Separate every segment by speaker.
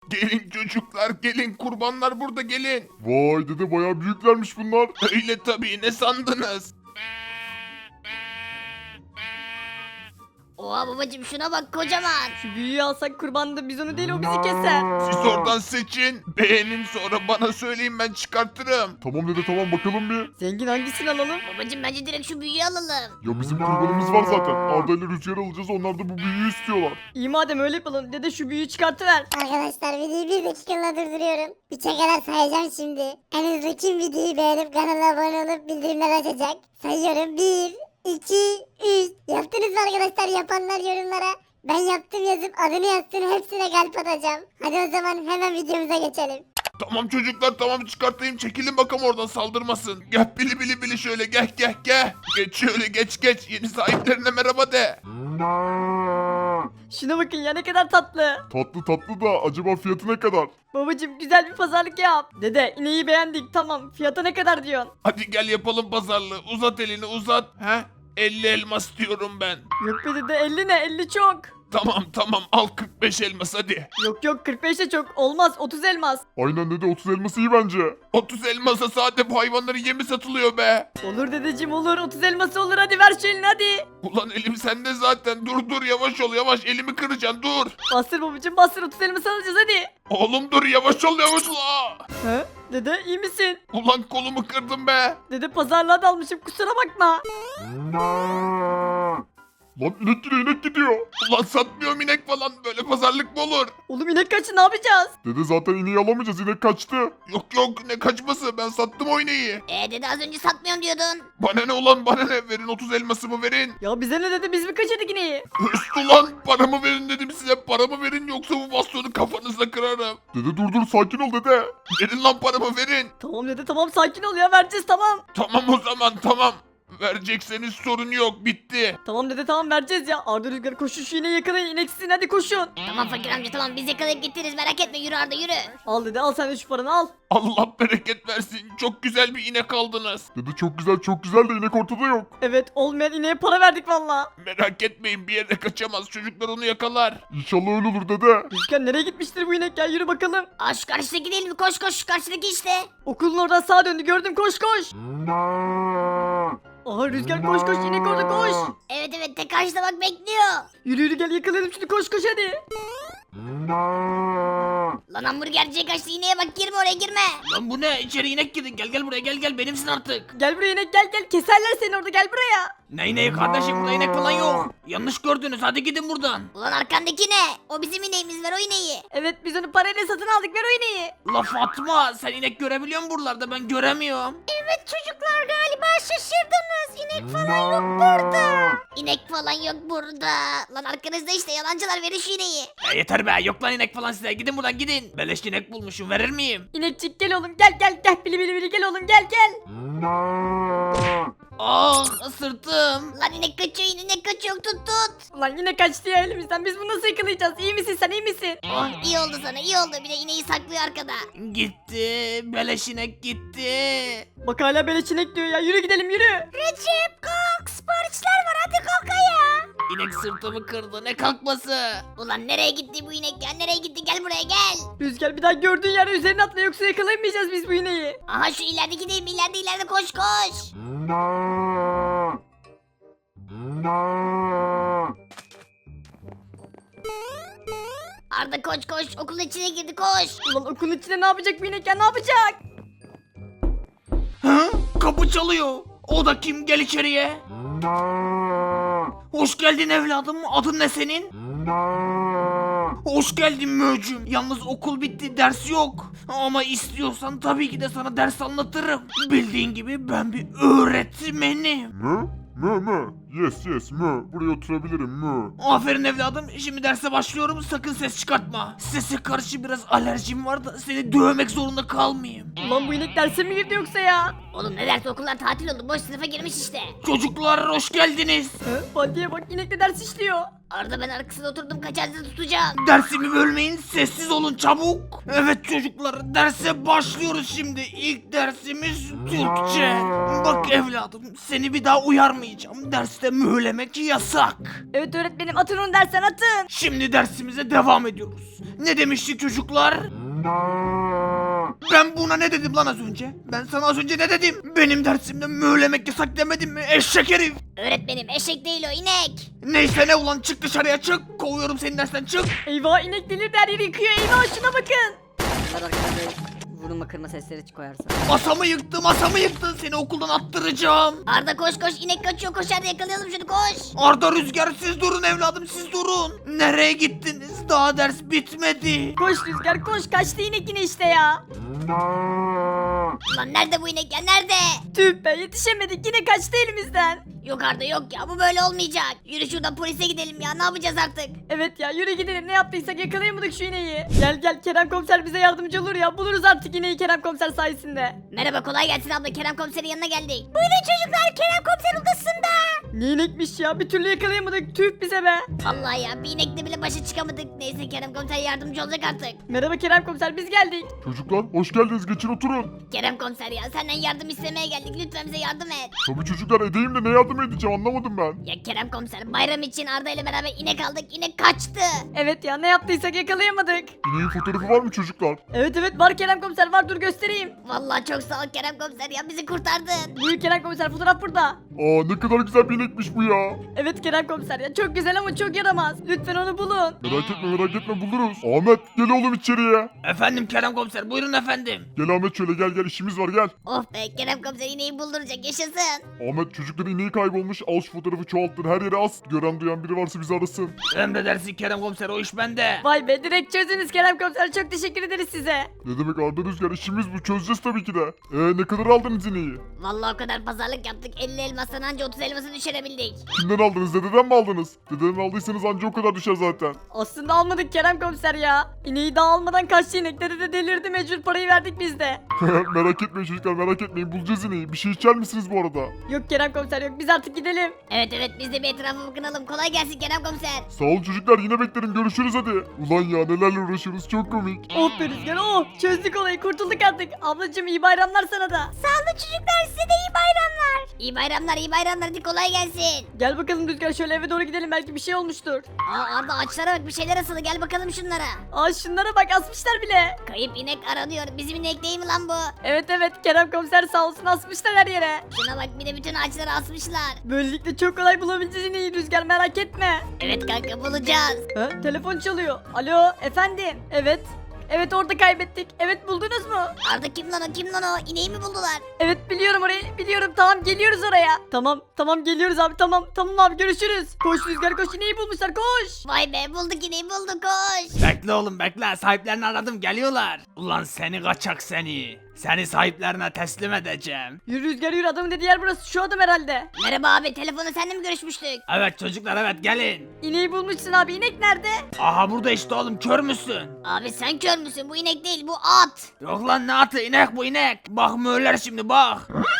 Speaker 1: Gelin çocuklar gelin, kurbanlar burada, gelin.
Speaker 2: Vay dede bayağı büyüklermiş bunlar.
Speaker 1: Öyle tabii, ne sandınız?
Speaker 3: Oha babacım şuna bak kocaman.
Speaker 4: Şu büyüyü alsak kurbandı biz onu değil o bizi keser.
Speaker 1: Siz oradan seçin, beğenin, sonra bana söyleyin, ben çıkartırım.
Speaker 2: Tamam dede tamam bakalım bir.
Speaker 4: Zengin hangisini alalım?
Speaker 3: Babacım bence direkt şu büyüğü alalım.
Speaker 2: Ya bizim kurbanımız var zaten. Arda ile Rüzgar alacağız, onlar da bu büyüğü istiyorlar.
Speaker 4: İyi madem öyle yapalım. Dede şu büyüyü çıkartıver.
Speaker 5: Arkadaşlar videoyu bir dakikalığına durduruyorum. Üçe kadar sayacağım şimdi. En hızlı kim videoyu beğenip kanala abone olup bildirimler açacak? Sayıyorum 1, 2, 3. Yaptınız mı arkadaşlar? Yapanlar yorumlara ben yaptım yazıp adını yazsın, hepsine kalp atacağım. Hadi o zaman hemen videomuza geçelim.
Speaker 1: Tamam çocuklar, tamam çıkartayım, çekilin bakalım oradan, saldırmasın. Gel bili bili bili, şöyle gel. Geç şöyle, geç, yeni sahiplerine merhaba de.
Speaker 4: Şuna bakın ya ne kadar tatlı.
Speaker 2: Tatlı da acaba fiyatı ne kadar?
Speaker 4: Babacım güzel bir pazarlık yap. Dede ineği beğendik tamam. Fiyata ne kadar diyorsun?
Speaker 1: Hadi gel yapalım pazarlığı, uzat elini uzat. He? 50 elmas diyorum ben.
Speaker 4: Yok be dede 50 ne 50 çok.
Speaker 1: Tamam, al 45 elmas hadi.
Speaker 4: Yok 45 de çok olmaz 30 elmas.
Speaker 2: Aynen dede 30 elması iyi bence.
Speaker 1: 30 elmasa sade bu hayvanların yemi satılıyor be.
Speaker 4: Olur dedeciğim olur 30 elması olur hadi ver şu elini hadi.
Speaker 1: Ulan elim sende zaten, dur yavaş ol, yavaş, elimi kıracaksın, dur.
Speaker 4: Bastır babacım bastır 30 elması alacağız hadi.
Speaker 1: Oğlum dur, yavaş ol. Aa!
Speaker 4: He? Dede iyi misin?
Speaker 1: Ulan kolumu kırdım be.
Speaker 4: Dede pazarlığa dalmışım kusura bakma.
Speaker 2: Lan inek gidiyor.
Speaker 1: Ulan satmıyorum inek falan, böyle pazarlık mı olur?
Speaker 4: Oğlum inek kaçı ne yapacağız?
Speaker 2: Dede zaten ineği alamayacağız, inek kaçtı.
Speaker 1: Yok ne kaçması, ben sattım o ineği.
Speaker 3: Dede az önce satmıyorum diyordun.
Speaker 1: Bana ne ulan, bana ne, verin 30 elmasımı verin.
Speaker 4: Ya bize ne dedi biz mi kaçırdık ineği?
Speaker 1: Hırsız ulan, paramı verin dedim size, paramı verin yoksa bu bastonu kafanıza kırarım.
Speaker 2: Dede dur sakin ol dede.
Speaker 1: Verin lan paramı, verin.
Speaker 4: Tamam dede tamam sakin ol ya vereceğiz tamam.
Speaker 1: Tamam o zaman, tamam. Verecekseniz sorun yok, bitti.
Speaker 4: Tamam dede tamam vereceğiz ya. Arda Rüzgar koşun şu ineği yakalayın ineksizin hadi koşun.
Speaker 3: Tamam fakir amca tamam biz yakalayıp getiririz merak etme yürü Arda yürü.
Speaker 4: Al dede al sen de şu paranı al.
Speaker 1: Allah bereket versin, çok güzel bir inek aldınız.
Speaker 2: Dede çok güzel de inek ortada yok.
Speaker 4: Evet olmayan ineğe para verdik valla.
Speaker 1: Merak etmeyin, bir yere kaçamaz, çocuklar onu yakalar.
Speaker 2: İnşallah öyle olur dede.
Speaker 4: Rüzgar nereye gitmiştir bu inek ya yürü bakalım.
Speaker 3: Aa şu karşıdaki değil mi koş şu karşıdaki işte.
Speaker 4: Okulun oradan sağa döndü gördüm koş. Aha Rüzgar koş inek orada koş.
Speaker 3: Evet tek karşıda bak bekliyor.
Speaker 4: Yürü gel yakalayalım şunu koş hadi.
Speaker 3: Lan hamburgerciye kaçtı ineğe bak girme oraya girme.
Speaker 6: Lan bu ne? İçeri inek girdin. Gel buraya gel benimsin artık.
Speaker 4: Gel buraya inek gel keserler seni orada gel buraya.
Speaker 6: Ne ineği kardeşim, burada inek falan yok. Yanlış gördünüz, hadi gidin buradan.
Speaker 3: Ulan arkandaki ne? O bizim ineğimiz ver o ineği.
Speaker 4: Evet biz onu parayla satın aldık ver o ineği.
Speaker 6: La Fatma, sen inek görebiliyor musun buralarda? Ben göremiyorum.
Speaker 3: Evet çocuklar galiba şaşırdınız. İnek falan yok burada. İnek falan yok burada. Lan arkanızda işte yalancılar verin şu ineği.
Speaker 6: Ya yeter be, yok lan inek falan size. Gidin buradan gidin. Beleş inek bulmuşum, verir miyim?
Speaker 4: İnekçik gel oğlum gel bili gel oğlum gel.
Speaker 6: Ah sırtım.
Speaker 3: Lan inek kaçıyor inek kaçıyor tut.
Speaker 4: Ulan yine kaçtı ya elimizden biz bunu nasıl yakalayacağız iyi misin sen iyi misin?
Speaker 3: Oh iyi oldu sana iyi oldu bir de ineği saklıyor arkada.
Speaker 6: Gitti. Beleş inek gitti.
Speaker 4: Bak hala beleş inek diyor ya yürü gidelim yürü.
Speaker 3: Recep kalk siparişler var hadi kalk ayağa.
Speaker 6: İnek sırtımı kırdı, ne kalkması?
Speaker 3: Ulan nereye gitti bu inek ya nereye gitti gel buraya gel.
Speaker 4: Rüzgar bir daha gördüğün yere üzerine atla yoksa yakalayamayacağız biz bu ineği.
Speaker 3: Aha şu ilerideki değil mi ileride koş. Arda koş okulun içine girdi koş.
Speaker 4: Ulan okulun içinde ne yapacak bu inek ya ne yapacak?
Speaker 6: Hı? Kapı çalıyor. O da kim? Gel içeriye. Hoş geldin evladım. Adın ne senin? Hoş geldin möcüm. Yalnız okul bitti, ders yok. Ama istiyorsan tabii ki de sana ders anlatırım. Bildiğin gibi ben bir öğretmenim.
Speaker 2: Mü. Yes mü. Buraya oturabilirim mü.
Speaker 6: Aferin evladım. Şimdi derse başlıyorum. Sakın ses çıkartma. Sese karşı biraz alerjim var da seni dövmek zorunda kalmayayım.
Speaker 4: Ulan bu inek derse mi girdi yoksa ya?
Speaker 3: Oğlum ne derse okullar tatil oldu boş sınıfa girmiş işte.
Speaker 6: Çocuklar hoş geldiniz.
Speaker 4: Baldiye bak inek de ders işliyor.
Speaker 3: Arda ben arkasına oturdum kaçarsa tutacağım.
Speaker 6: Dersimi bölmeyin, sessiz olun çabuk. Evet çocuklar, derse başlıyoruz şimdi. İlk dersimiz Türkçe. Bak evladım, seni bir daha uyarmayacağım. Derste mühürlemek yasak.
Speaker 4: Evet öğretmenim, atın onu dersten, atın.
Speaker 6: Şimdi dersimize devam ediyoruz. Ne demiştik çocuklar? Ben buna ne dedim lan az önce? Ben sana az önce ne dedim? Benim dersimde mühürlemek yasak demedim mi? Eşek herif.
Speaker 3: Öğretmenim eşek değil o inek.
Speaker 6: Neyse ne ulan, çık dışarıya çık. Kovuyorum seni dersten, çık.
Speaker 4: Eyvah, inek delirdi, her yeri yıkıyor. Eyvah, şuna bakın.
Speaker 7: Bunlar arkada vurulma kırma sesleri koyarsa.
Speaker 6: Masamı yıktı, seni okuldan attıracağım.
Speaker 3: Arda koş koş inek kaçıyor koş Arda yakalayalım şunu koş.
Speaker 6: Arda, Rüzgar, siz durun evladım, siz durun. Nereye gittiniz? Daha ders bitmedi.
Speaker 4: Koş Rüzgar koş, kaçtı inek yine işte ya.
Speaker 3: Lan nerede bu inek ya nerede?
Speaker 4: Tüh be, yetişemedik, yine kaçtı elimizden.
Speaker 3: Yok Arda yok ya bu böyle olmayacak. Yürü şuradan polise gidelim ya ne yapacağız artık?
Speaker 4: Evet ya, yürü gidelim, ne yaptıysak yakalayamadık şu ineği. Gel gel, Kerem komiser bize yardımcı olur ya, buluruz artık ineği Kerem komiser sayesinde.
Speaker 3: Merhaba kolay gelsin abla Kerem komiserin yanına geldik. Buyurun çocuklar Kerem komiser odasında.
Speaker 4: Ne inekmiş ya, bir türlü yakalayamadık, tüh bize be.
Speaker 3: Vallahi ya bir inekle bile başa çıkamadık. Neyse Kerem komiser yardımcı olacak artık.
Speaker 4: Merhaba Kerem komiser, biz geldik.
Speaker 2: Çocuklar hoş geldiniz, geçin oturun.
Speaker 3: Kerem komiser ya senden yardım istemeye geldik lütfen bize yardım et.
Speaker 2: Tabii çocuklar, edeyim de ne yardım edeceğim anlamadım ben.
Speaker 3: Ya Kerem komiser bayram için Arda ile beraber inek aldık inek kaçtı.
Speaker 4: Evet ya, ne yaptıysak yakalayamadık.
Speaker 2: İneğin fotoğrafı var mı çocuklar?
Speaker 4: Evet evet, var Kerem komiser, var, dur göstereyim.
Speaker 3: Vallahi çok sağ ol Kerem komiser ya bizi kurtardın.
Speaker 4: Buyur Kerem komiser, fotoğraf burada.
Speaker 2: Aa, ne kadar güzel bir inekmiş bu ya.
Speaker 4: Evet Kerem komiser ya, çok güzel ama çok yaramaz. Lütfen onu bulun.
Speaker 2: Merak etme buluruz. Ahmet gel oğlum içeriye.
Speaker 6: Efendim Kerem komiser, buyurun efendim.
Speaker 2: Gel Ahmet, şöyle gel işimiz var gel.
Speaker 3: Oh be Kerem komiser ineği bulduracak yaşasın.
Speaker 2: Ahmet, çocukların ineği kaybolmuş, al şu fotoğrafı çoğalttır, her yere as. Gören duyan biri varsa bizi arasın.
Speaker 6: Emredersin Kerem komiser, o iş bende.
Speaker 4: Vay be, direkt çözdünüz Kerem komiser, çok teşekkür ederiz size.
Speaker 2: Ne demek Arda, Rüzgar, işimiz bu, çözeceğiz tabii ki de. Ne kadar aldınız ineği?
Speaker 3: Vallahi o kadar pazarlık yaptık 50 elmastan anca 30 elması düşürebildik.
Speaker 2: Kimden aldınız, dededen mi aldınız? Dededen aldıysanız anca o kadar düşer zaten.
Speaker 4: Aslında almadık Kerem komiser ya. İneği daha almadan kaçtı inek. Dede de delirdi, mecbur parayı verdik biz de.
Speaker 2: Merak etmeyin çocuklar, merak etmeyin, bulacağız ineği. Bir şey içer misiniz bu arada?
Speaker 4: Yok Kerem komiser yok, biz artık gidelim.
Speaker 3: Evet biz de bir etrafa bakınalım kolay gelsin Kerem komiser.
Speaker 2: Sağ olun çocuklar, yine beklerim, görüşürüz hadi. Ulan ya, nelerle uğraşıyoruz, çok komik.
Speaker 4: Oh be Rüzgar, oh, çözdük olayı, kurtulduk artık. Ablacığım iyi bayramlar sana da.
Speaker 3: Sağ olun çocuklar size de iyi bayramlar. İyi bayramlar hadi kolay gelsin.
Speaker 4: Gel bakalım Rüzgar, şöyle eve doğru gidelim, belki bir şey olmuştur.
Speaker 3: Aa Arda ağaçlara bak bir şeyler asılı gel bakalım şunlara.
Speaker 4: Aa, şunlara bak, asmışlar bile.
Speaker 3: Kayıp inek aranıyor bizim inek değil mi lan bu?
Speaker 4: Evet Kerem komiser sağ olsun, asmışlar her yere.
Speaker 3: Şuna bak bir de bütün ağaçları asmışlar.
Speaker 4: Böylelikle çok kolay bulabileceğiz ineği Rüzgar, merak etme.
Speaker 3: Evet kanka bulacağız.
Speaker 4: Ha, telefon çalıyor. Alo efendim. Evet orada kaybettik. Evet, buldunuz mu?
Speaker 3: Arda kim lan o ineği mi buldular?
Speaker 4: Evet biliyorum orayı, biliyorum, tamam geliyoruz oraya. Tamam geliyoruz abi, tamam abi, görüşürüz. Koş Rüzgar koş, ineği bulmuşlar, koş.
Speaker 3: Vay be bulduk ineği bulduk koş.
Speaker 6: Bekle oğlum bekle, sahiplerini aradım, geliyorlar. Ulan seni kaçak seni. Seni sahiplerine teslim edeceğim.
Speaker 4: Yürü Rüzgar yürü, adamın dediği yer burası, şu adam herhalde.
Speaker 3: Merhaba abi telefonu seninle mi görüşmüştük?
Speaker 6: Evet çocuklar, evet gelin.
Speaker 4: İneği bulmuşsun abi, inek nerede?
Speaker 6: Aha burada işte oğlum, kör müsün?
Speaker 3: Abi sen kör müsün bu inek değil bu at.
Speaker 6: Yok lan, ne atı, inek bu inek. Bak mühürler şimdi bak.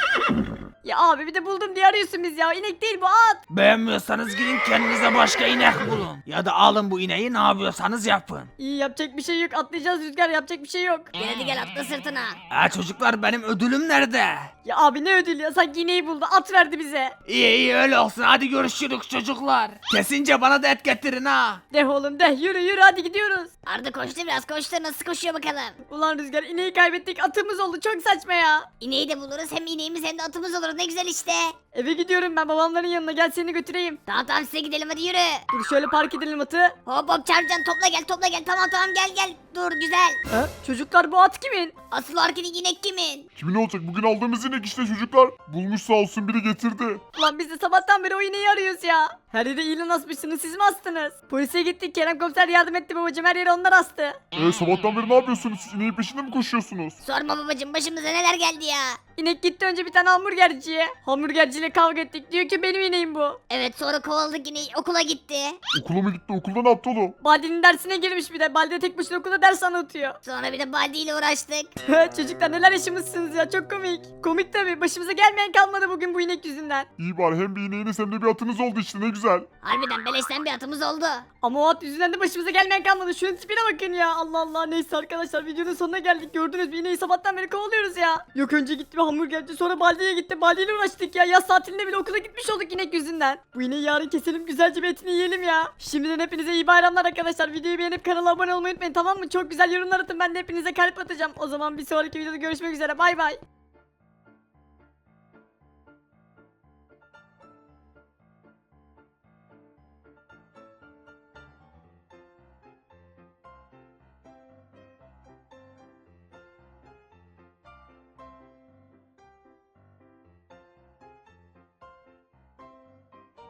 Speaker 4: Ya abi bir de buldum diye arıyorsun biz ya, inek değil bu, at.
Speaker 6: Beğenmiyorsanız gidin kendinize başka inek bulun. Ya da alın bu ineği, ne yapıyorsanız yapın.
Speaker 4: İyi, yapacak bir şey yok, atlayacağız Rüzgar, yapacak bir şey yok.
Speaker 3: Gel hadi gel atla sırtına.
Speaker 6: Çocuklar, benim ödülüm nerede?
Speaker 4: Ya abi ne ödül ya, sanki ineği buldu, at verdi bize.
Speaker 6: İyi öyle olsun, hadi görüşürüz çocuklar. Kesince bana da et getirin ha.
Speaker 4: De oğlum de, yürü hadi gidiyoruz.
Speaker 3: Arda koştu biraz koştu nasıl koşuyor bakalım.
Speaker 4: Ulan Rüzgar, ineği kaybettik, atımız oldu, çok saçma ya.
Speaker 3: İneği de buluruz hem ineğimiz hem de atımız olur ne güzel işte.
Speaker 4: Eve gidiyorum ben babamların yanına, gel seni götüreyim.
Speaker 3: Tamam size gidelim hadi yürü.
Speaker 4: Dur şöyle park edelim atı.
Speaker 3: Hop çarpcan topla gel tamam gel dur güzel.
Speaker 4: Ha? Çocuklar bu at kimin?
Speaker 3: Asıl o arkadaki inek kimin?
Speaker 2: Kimin olacak, bugün aldığımız inek işte çocuklar. Bulmuş sağ olsun, biri getirdi.
Speaker 4: Ulan biz de sabahtan beri o ineği arıyoruz ya. Her yere ilan asmışsınız, siz mi astınız? Polise gittik, Kerem komiser yardım etti babacığım, her yere onlar astı.
Speaker 2: Sabahtan beri ne yapıyorsunuz, siz ineğin peşinde mi koşuyorsunuz?
Speaker 3: Sorma babacım başımıza neler geldi ya.
Speaker 4: İnek gitti önce bir tane hamburgerciye. Hamburgerciyle kavga ettik, diyor ki benim ineğim bu.
Speaker 3: Evet sonra kovaladık ineği okula gitti.
Speaker 2: Okula mı gitti, okulda ne yaptı oğlum?
Speaker 4: Baldi'nin dersine girmiş bir de. Baldi tek başına okulda sınıfta ders anlatıyor.
Speaker 3: Sonra bir de Baldi ile uğraştık.
Speaker 4: Çocuklar neler yaşamışsınız ya, çok komik. Komik tabi, başımıza gelmeyen kalmadı bugün bu inek yüzünden.
Speaker 2: İyi bari hem bir ineğiniz hem de bir atınız oldu işte ne güzel.
Speaker 3: Harbiden beleşten bir atımız oldu.
Speaker 4: Ama o at yüzünden de başımıza gelmeyen kalmadı. Şunun tipine bakın ya. Allah Allah. Neyse arkadaşlar, videonun sonuna geldik. Gördünüz mü, ineği sabahtan beri kovalıyoruz ya. Yok önce gitti bir hamburgerci, sonra Baldi'ye gitti. Baldi'yle uğraştık ya. Yaz tatilinde bile okula gitmiş olduk inek yüzünden. Bu ineği yarın keselim, güzelce bir etini yiyelim ya. Şimdiden hepinize iyi bayramlar arkadaşlar. Videoyu beğenip kanala abone olmayı unutmayın, tamam mı? Çok güzel yorumlar atın, ben de hepinize kalp atacağım. O zaman bir sonraki videoda görüşmek üzere. Bay bay.